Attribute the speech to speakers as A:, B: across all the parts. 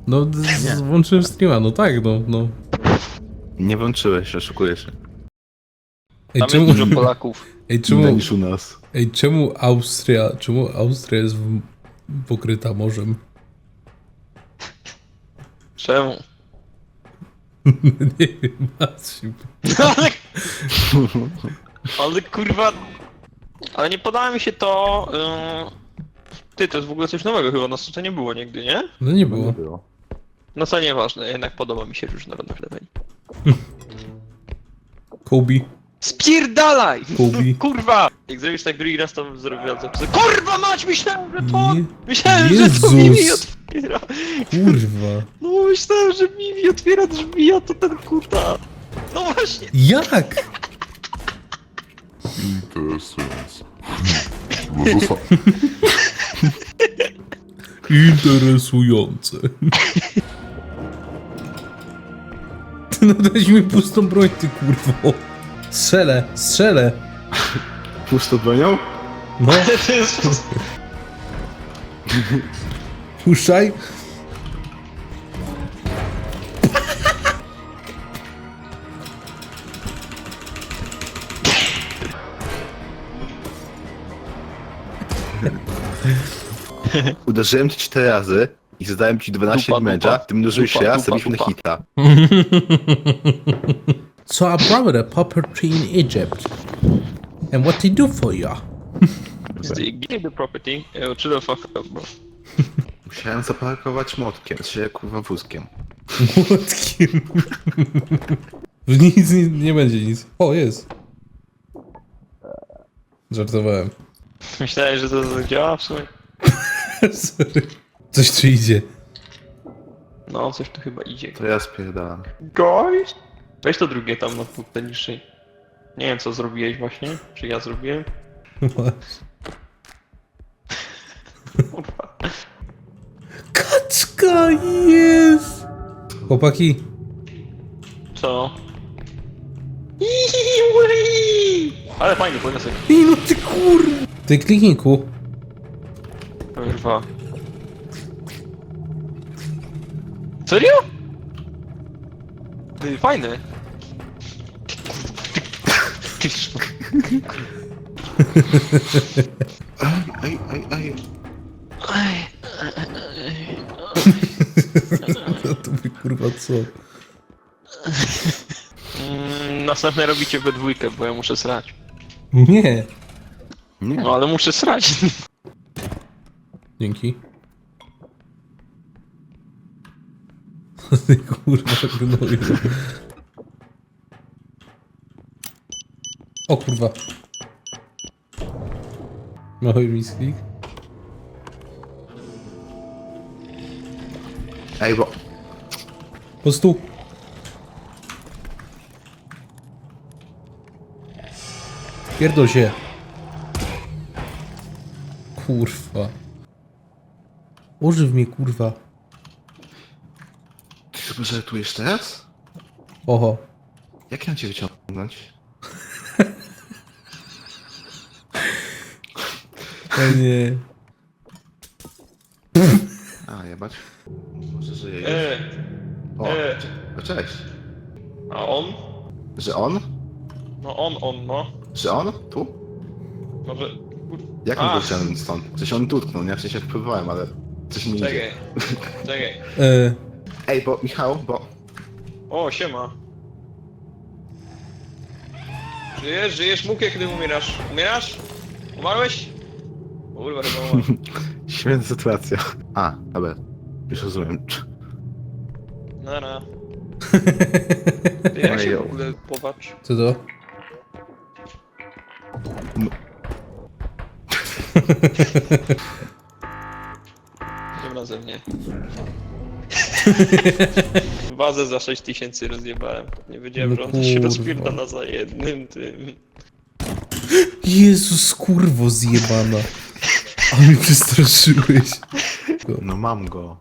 A: No, włączyłem streama, no tak, no.
B: Nie włączyłeś, oszukujesz się.
A: Ej,
C: Tam jest dużo Polaków.
A: Ej,
B: Inne niż u nas.
A: czemu Austria jest pokryta morzem?
C: Czemu?
A: Nie wiem, Maciu.
C: Ale kurwa... Ale nie podoba mi się to... Ty, to jest w ogóle coś nowego chyba, nas to nie było nigdy, nie?
A: No nie było.
C: No co nieważne, jednak podoba mi się różnorodność leveli.
A: Kobe.
C: Spierdalaj!
A: Kobe.
C: Kurwa! Jak zrobisz tak drugi raz, to bym zrobił zapisy. Kurwa mać, myślałem, że to...
A: Nie.
C: Myślałem, że
A: Jezus.
C: to Mimi otwiera.
A: Kurwa.
C: No myślałem, że Mimi otwiera drzwi, a to ten kurwa. No właśnie.
A: Jak?
D: Interesujące. No to
A: Interesujące. No daj mi pustą broń, ty kurwo. Strzelę.
B: Pusto bronią?
A: No,
C: To jest...
A: puszczaj.
B: Uderzyłem ci 4 razy i zadałem ci 12
C: Dupa,
B: damage'a,
C: dupa.
B: ty mnożyłeś się
C: Dupa,
B: raz,
C: dupa,
B: zrobiliśmy na
C: dupa.
B: hita.
A: So I brought a property in Egypt. And what they do for you?
C: Give the property. Chill the fuck up, bro.
B: Musiałem zaparkować młotkiem, się kurwa wózkiem.
A: Młotkiem. Nic nie będzie nic. O, jest. Żartowałem.
C: Myślałem, że to działa w sumie.
A: Sorry. Coś tu idzie.
C: No, coś tu chyba idzie.
B: To ja spierdalam.
C: Guys? Weź to drugie tam na półkę niższej. Nie wiem co zrobiłeś właśnie, czy ja zrobiłem. Kurwa.
A: Kaczka jest! Chłopaki,
C: Co? Ale fajnie, podniosę.
A: no ty kur... Ty kliknij ku.
C: Kurwa. Serio? Ty, fajny.
B: Ej.
A: No to by kurwa co?
C: Następne robicie we dwójkę, bo ja muszę srać.
A: Nie.
B: Nie.
C: No ale muszę srać.
A: Dzięki. Ty kurwa gnoju. O kurwa. Mały misklik.
B: Ej, bo...
A: Po prostu. Pierdol się. Kurwa. Ożyw mnie, kurwa.
B: Ty chyba żartujesz teraz?
A: Oho.
B: Jak ja mam cię wyciągnąć?
A: O nie.
B: A, jebać. Może żyje już. O,
C: e.
B: cześć.
C: A on?
B: Że on?
C: No on, no.
B: Że on? Tu?
C: Może...
B: Jak on go wyciągnąć stąd? Coś on dotknął, nie? W sensie próbowałem, ale coś mi nie idzie.
C: Czekaj.
B: Ej, bo Michał, bo...
C: O, siema. Żyjesz, Mukie, kiedy umierasz? Umierasz? Umarłeś? Kurwa, chyba umarł.
B: Śmieszna sytuacja. A, dobra. Już rozumiem.
C: Nara. Ty, jak się w ogóle popatrz?
A: Co to?
C: Tym razem nie. Wazę za 6000 rozjebałem. Nie wiedziałem, że on się
A: kurwa.
C: rozpierdala za jednym tym.
A: Jezus, kurwo zjebana. A mnie przestraszyłeś.
B: No mam go.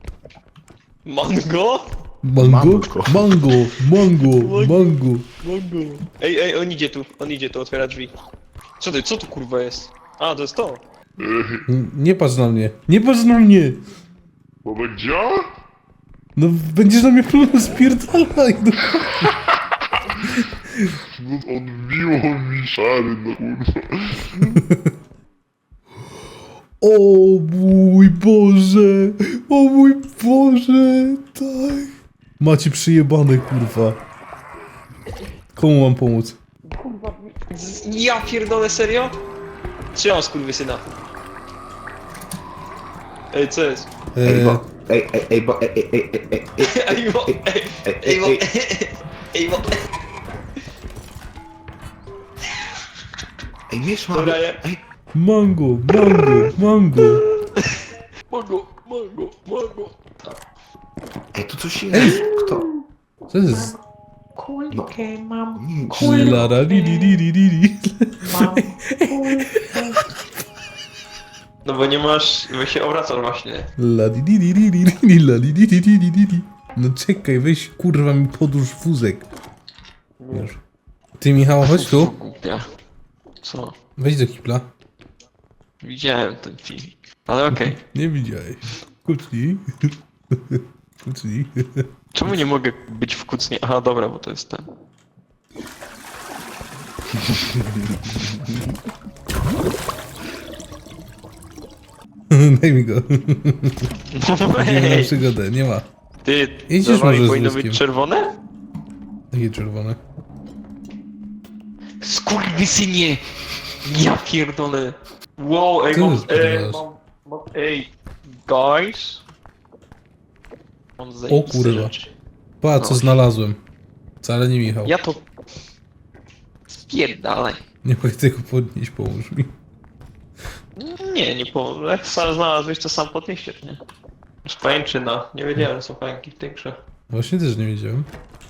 C: Mango?
A: Mango?
B: Mamko.
A: Mango.
C: Ej, on idzie tu, otwiera drzwi. Co tu kurwa jest? A, to jest to.
A: Nie patrz na mnie. Nie patrz na mnie.
D: Bobek działa?
A: No będziesz na mnie problem spierdalaj, no.
D: No odbiło mi szary, no kurwa.
A: O mój Boże! O mój Boże! Tak! Macie przyjebane, kurwa. Komu mam pomóc?
C: Ja pierdolę, serio? Trzymam skurwysyna. Ej, co jest?
B: Ej, bo... Ej, bo... Ej,
C: Ej, bo... Ej, bo... Ej, bo...
B: Ej, miesz mam...
C: Dobra, nie?
B: Ej,
A: Mango, mango, mango.
C: Mango.
B: ej, tu coś jest. Kto?
A: Co jest?
E: Kulkę mam,
A: Lara, li, li, li, li, li.
E: mam kulkę.
C: No bo nie masz... Bo się obracasz właśnie.
A: La di di di di di di la di di di di di di di. No czekaj, weź kurwa mi podłóż wózek. Już. Ty Michał, chodź tu.
C: Głupia. Co?
A: Wejdź do kibla.
C: Widziałem ten filmik. Ale okej.
A: Nie widziałeś. Kucnij. Kucnij.
C: Czemu nie mogę być w kucnie? Aha, dobra, bo to jest ten.
A: Daj mi go. Nie ma
C: Ej,
A: przygodę, nie ma.
C: ty,
A: Jedziesz
C: dawaj,
A: może z
C: powinno
A: wózkiem.
C: być czerwone?
A: Takie czerwone.
C: Skurwysynie! Ja pierdolę. Wow, ej,
A: Co
C: mam,
A: ty odpierdalasz?
C: ej, guys. Mam zajebiste
A: kurwa.
C: rzeczy.
A: Pa, co
C: No.
A: znalazłem. Wcale nie Michał.
C: Ja to... Spierdalaj.
A: Nie mogę tego podnieść, pomóż mi.
C: Nie po... Jak sam znalazłeś, to sam podnieście, nie? Z pajęczyna. Nie wiedziałem, że są pająki w tej grze.
A: Właśnie też nie wiedziałem.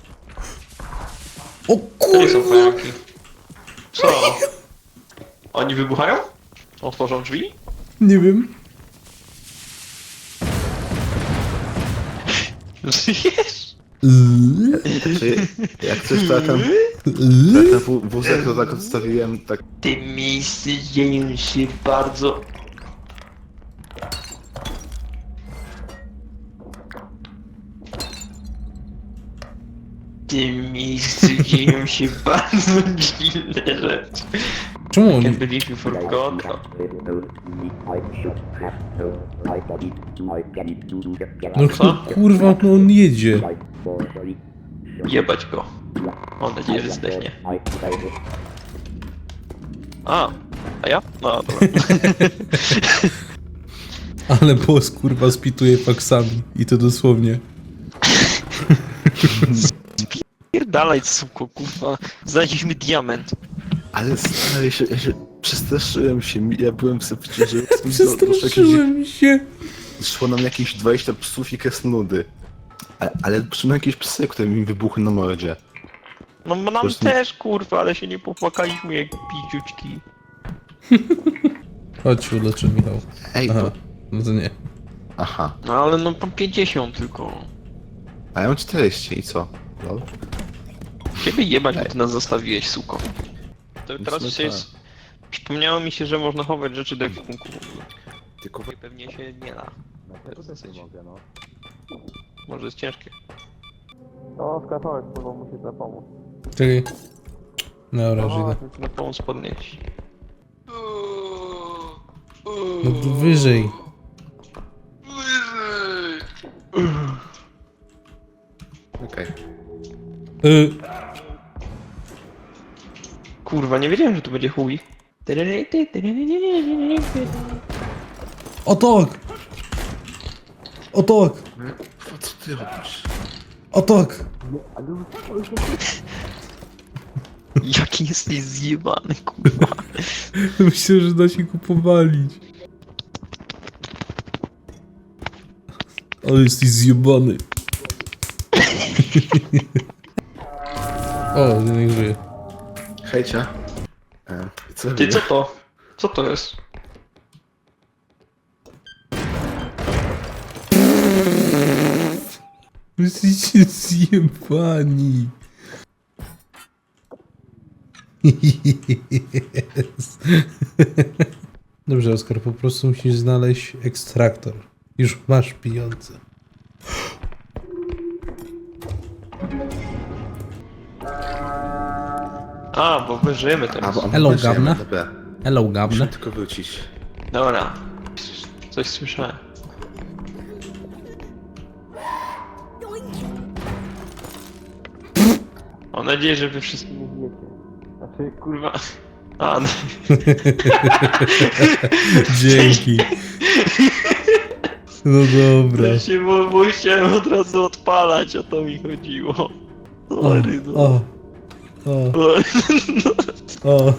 A: O
C: To nie są
A: kurwa!
C: pająki. Co? Oni wybuchają? Otworzą drzwi?
A: Nie wiem.
C: Żyjesz?
B: Czy jak coś to ja ten wózek to tak odstawiłem, tak...
C: W tym miejscu dzieją się bardzo... W tym miejscu dzieją się bardzo dziwne rzeczy.
A: Czemu
C: Can't
A: on...
C: believe you forgot.
A: No
C: Co?
A: kurwa, no on jedzie.
C: Jebać go. Mam nadzieję, że zdechnie. A ja? No dobra.
A: Ale boss kurwa spituje faksami. I to dosłownie.
C: Pierdalaj, suko, kurwa. Znaleźliśmy diament.
B: Ale stary, ja się przestraszyłem się, ja byłem w sepcie, że...
A: Przestraszyłem się.
B: Szło nam jakieś 20 psów i kresnoludy. Ale przynajmniej jakieś psy, które mi wybuchły na mordzie.
C: No nam
B: prostu-
C: też, kurwa, ale się nie popłakaliśmy jak piciuczki.
A: Chodź się uleczę, Michał.
B: Ej,
A: Aha,
B: to...
A: no to nie.
B: Aha.
C: No ale no po 50 tylko.
B: A ja mam 40 i co? Lol?
C: Ciebie jebać, bo ty nas zostawiłeś, suko. To teraz
B: sumie
C: się jest... Przypomniało mi się, że można chować rzeczy do ekwipunku w ogóle.
B: Tylko...
C: I pewnie się nie da.
B: mogę, no.
C: Może jest ciężkie. No, skakałeś, bo muszę na pomóc.
A: Czekaj. Dobra, już idę.
C: Muszę na pomóc podnieść.
A: No tu wyżej.
B: Okej.
C: Kurwa, nie wiedziałem, że tu będzie chuj.
A: O tak! O tak!
B: Co ty robisz?
A: O tak!
C: Jaki jesteś zjebany, kurwa.
A: Myślę, że da się go powalić. Ale jesteś zjebany. O, jeden żyje.
B: Hejcia. Co
C: Ty, co to? Co to jest?
A: Jesteście zjebani. Yes. Dobrze, Oskar, po prostu musisz znaleźć ekstraktor. Już masz pieniądze.
C: Aha, bo my żyjemy
B: A,
C: teraz.
B: bo
A: Hello,
B: my żyjemy,
A: Gabna.
B: Dobra,
A: Hello,
B: muszę
A: Gabne.
B: tylko wrócić.
C: Dobra. Coś słyszałem. Mam nadzieję, że wy wszyscy nie wiecie. Znaczy, kurwa... A, no.
A: Dzięki. No dobra.
C: Ja się musiałem od razu odpalać, o to mi chodziło. Sorry, no.
A: O. O.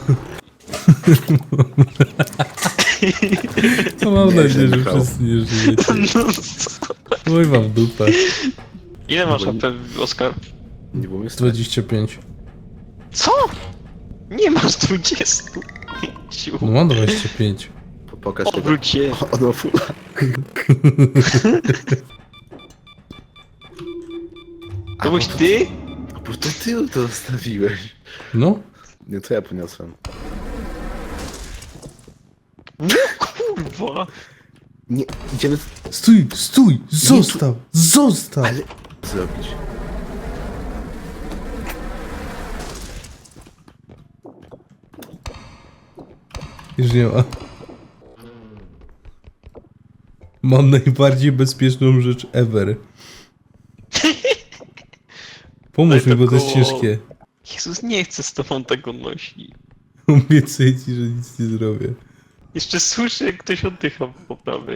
A: No mam nadzieję, że wszyscy nie żyjecie. Oj wam w dupę.
C: Ile masz AP, Oskar?
B: Nie było mnie
A: 25.
C: Co? Nie masz 20.
A: No mam 25.
B: Pokaż
C: Obróć się.
B: Ono fula.
C: To byś ty?
B: Bo to ty to zostawiłeś.
A: No?
B: Nie, to ja poniosłem.
C: Kurwa.
B: Nie, idziemy...
A: Stój, stój! Zostaw! Zostaw!
B: Ale... Co zrobić?
A: Już nie ma. Mam najbardziej bezpieczną rzecz ever. Pomóż mi, bo to jest ciężkie.
C: Jezus, nie chcę z tobą tego nosić.
A: Obiecuję ci, że nic nie zrobię.
C: Jeszcze słyszę, jak ktoś oddycha po prawej.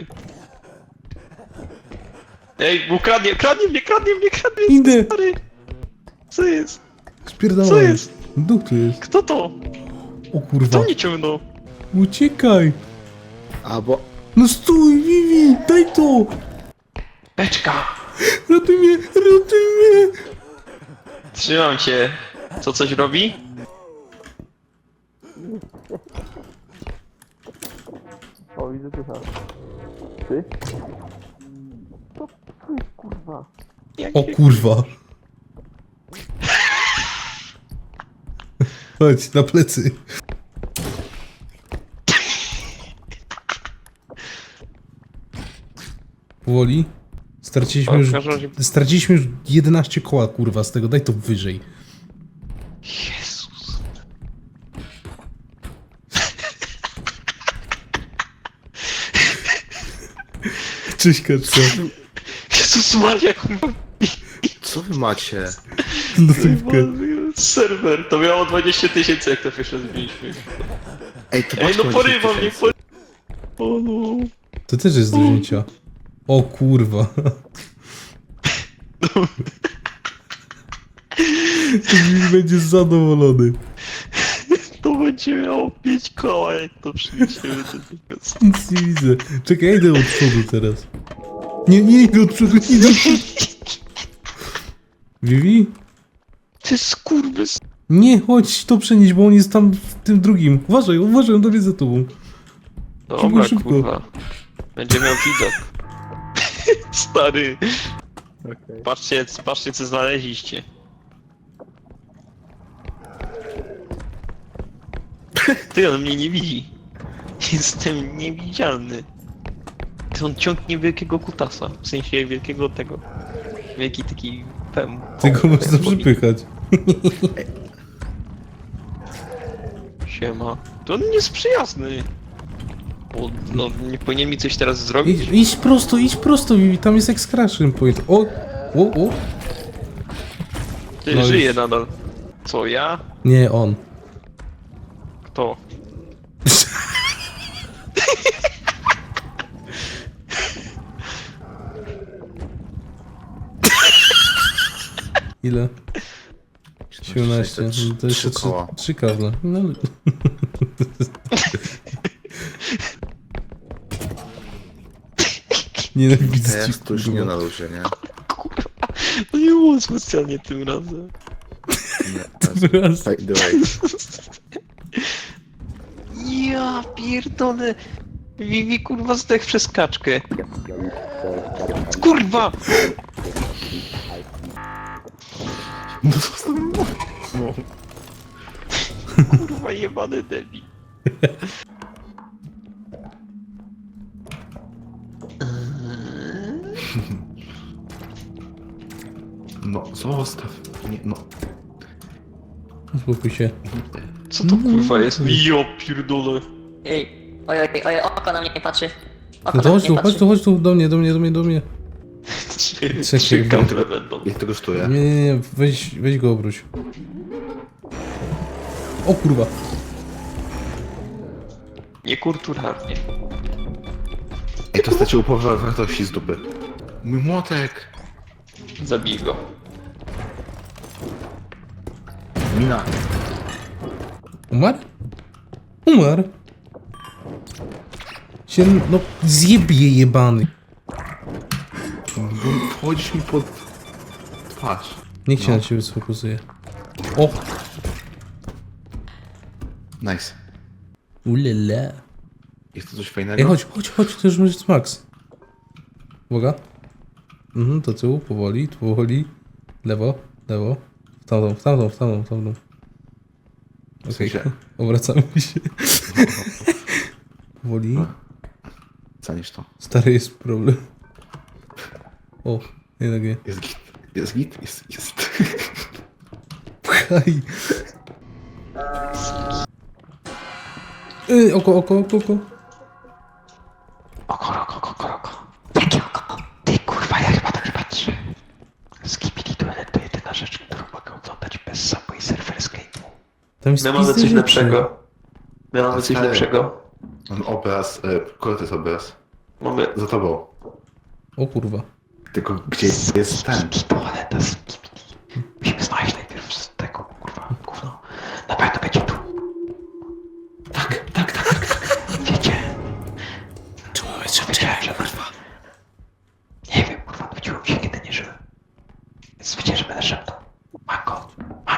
C: Ej, bo kradnie mnie,
A: Idę.
C: stary! Co jest?
A: Spierdalaj.
C: Co jest?
A: Duch tu jest.
C: Kto to?
A: O
C: Kto
A: kurwa.
C: mnie ciągnął?
A: Uciekaj.
B: A, bo...
A: No stój, Vivi, daj to.
C: Beczka!
A: Ratuj mnie, ratuj mnie.
C: Trzymam cię. Co coś robi? O, widzę ty. Ty? Co? Kurwa.
A: O kurwa. Chodź, na plecy. Powoli. Straciliśmy już 11 koła, kurwa, z tego. Daj to wyżej.
C: Jezus.
A: Cześć, kaczka.
C: Jezus Maria, kurwa.
B: Co wy macie?
A: Lodówkę.
C: Serwer, to miało 20 000, jak to pierwsze zbiliśmy.
B: Ej, to
C: Ej, no
B: macie
C: porywa
B: 10
C: mnie,
B: 000.
C: O no.
A: To też jest do wzięcia. O kurwa. To będzie zadowolony.
C: To będzie miało 5 koła, jak to przyniesiemy do tego.
A: Nic nie widzę. Czekaj, ja idę od przodu teraz. Nie idę od przodu, nie idę od przodu. Vivi?
C: Ty skurwys.
A: Nie, chodź to przenieść, bo on jest tam w tym drugim. Uważaj, on tam jest za tobą.
C: Dobra,
A: Szybko.
C: kurwa. Będzie miał widok. Stary. Patrzcie co znaleźliście. Ty, on mnie nie widzi. Jestem niewidzialny. Ty, on ciągnie wielkiego kutasa. W sensie wielkiego tego. Wielki taki pem.
A: Tylko można przypychać.
C: Siema. To on nie jest przyjazny. Bo, no, nie powinien mi coś teraz zrobić?
A: Idź prosto, Vivi, tam jest exclamation point. O.
C: Ty
A: no
C: żyje
A: już.
C: nadal. Co, ja?
A: Nie, on.
C: Kto?
A: Ile? 17. No to jeszcze
B: 3 koła.
A: 3 kable. No. Nienawidzę cię,
B: Teraz to już nie
A: kurwa.
B: na luzie, nie?
C: Kurwa, no nie było specjalnie tym razem.
B: Nie,
A: Raz.
B: by the way.
C: Ja pierdolę. Vivi kurwa zdech przez kaczkę. Kurwa!
B: No co no.
C: Kurwa jebany debil.
B: No, zostaw. Nie, no.
A: Uspokój się.
C: Co to kurwa jest? Jo pierdolę.
F: Ej, oj, oko na mnie patrzy. Oko
A: No to
F: na
A: chodź
F: mnie
A: tu,
F: patrzy.
A: chodź tu, do mnie.
C: Trzy
A: Czekaj,
C: kample będą.
B: Jak to kosztuje?
A: Nie, weź go obróć. O kurwa.
C: Niekulturalnie.
B: Ej, to straciło połowę wartości z dupy. Mój młotek!
C: Zabij go.
B: Mina.
A: Umarł? Umarł. Się, no, zjebie jebany.
B: Wchodzisz mi pod twarz.
A: Niech się na ciebie sfokusuje. O!
B: Nice.
A: Ulele.
B: Jest to coś fajnego?
A: Ej, chodź, to już jest max. Uwaga. Do tyłu, powoli. Lewo. W tamtą. Okej,
B: sensie?
A: obracamy się. Powoli.
B: Zanisz to.
A: Stary jest problem. O, jednak nie.
B: Jest git. Jest git? Jest.
A: Pchaj. Oko.
C: Oko. Jakie oko? Ty kurwa, ja chyba dobrze patrzę. Skibidi Toilet to jedyna rzecz, którą mogę oglądać bez Subway Surfer Escape'u.
A: Tam jest
C: My mamy
A: pizdy
C: coś
A: rzeczy.
C: lepszego. My mamy coś
B: Stary.
C: lepszego.
B: Mam obraz, który to jest obraz?
C: Mamy...
B: Za tobą.
A: O kurwa.
B: Tylko gdzie jest ten?
C: Toaleta z Skibidi. Musimy znaleźć najpierw z tego, kurwa, gówno. Na pewno będzie tu. Tak. Wiecie?
A: Czemu mamy
C: Wiedziałem, że kurwa. Nie wiem, kurwa, nudziło mi się, kiedy nie żyłem. Więc wiedziałem, że będę szeptał. Mango.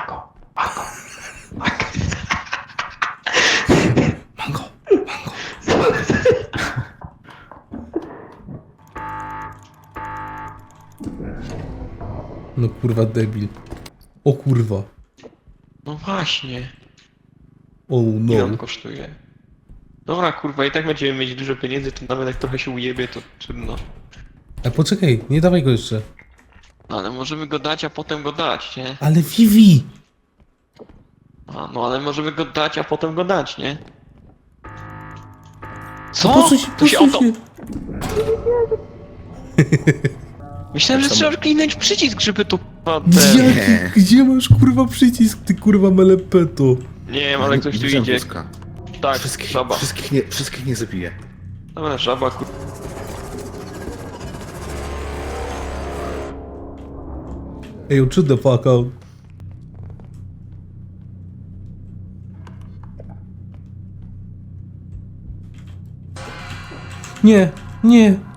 A: No kurwa debil. O kurwa.
C: No właśnie.
A: Oh
C: Ile on
A: no.
C: kosztuje? Dobra, kurwa, i tak będziemy mieć dużo pieniędzy, to nawet jak trochę się ujebie, to trudno.
A: A poczekaj, nie dawaj go jeszcze.
C: No, ale możemy go dać, a potem go dać, nie?
A: Ale Vivi!
C: A, no ale możemy go dać, a potem go dać, nie?
A: Posuń się,
C: To się
A: posuń
C: auto...
A: się.
C: Myślałem, że trzeba kliknąć przycisk, żeby to kurwa
A: Gdzie masz kurwa przycisk, ty kurwa melepeto?
C: Nie wiem, ale ktoś tu
B: Widziałem
C: idzie.
B: wózka.
C: Tak,
B: Wszystkich,
C: żaba.
B: wszystkich nie zabiję.
C: Dobra, żaba, kurwa.
A: Ej, shut the fuck out. Nie.